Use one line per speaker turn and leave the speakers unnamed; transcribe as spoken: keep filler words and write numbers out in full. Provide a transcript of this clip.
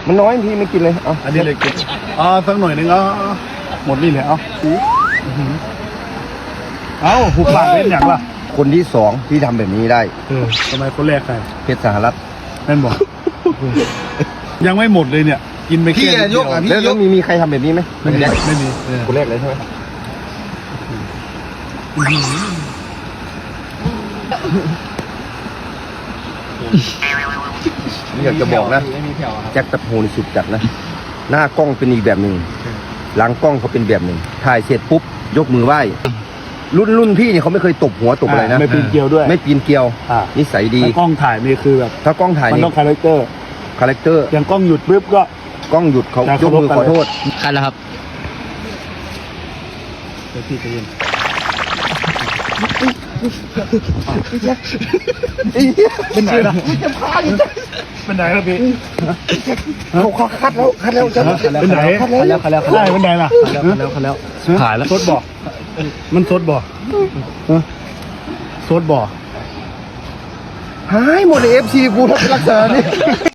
มันน้อยพี่ไม่กินเลยเอา
อันนี้เลยกินอ่าสักหน่อยนึงเอาหมดนี่เลยเอาเอาหูปากเป็นอย่างล่ะ
คนที่สองที่ทำแบบนี้ได้
เออทำไมคนแรกใคร
เพชรสหรัฐ
นั่นบอกยังไม่หมดเลยเนี่ยกินไปแค่
ยกแล้วแล้วมีมีใครทำแบบนี้ไหม
ไม่มีไม่มี
คนแรกเลยใช่ไหมอยากจะบอกนะแจ็คตะโพนสุดจัดนะหน้ากล้องเป็นอีกแบบหนึ่งหลังกล้องเขาเป็นแบบหนึ่งถ่ายเสร็จปุ๊บยกมือไหว้รุ่นรุ่นพี่เนี่ยเขาไม่เคยตบหัวตบอะไรนะ
ไม่ปีนเกลียวด้วย
ไม่ปีนเกลียวนิสัยดี
กล้องถ่ายนี่คือแบบ
ถ้ากล้องถ่าย
มันต้องคาแรคเตอร์
คาแรคเตอร์
อย่างกล้องหยุดปุ๊บก็
กล้องหยุดเขายกมือขอโทษ
คันแล้วครับ
เดี๋ยวพี่จะยินเป็นไหนล่ะเป็นไหนล่ะพี่
เขาเขาคัดแล้วคัดแล้วจะ
เป็นไหน
คันแล้วคันแล้วคันแล้ว
เป็นไหนล่ะ
คันแล้วคันแล้ว
หายแล้วซดบ่อมันซดบ่อซดบ่อ
หายหมดเลยเอฟซีกูทักรักษานี่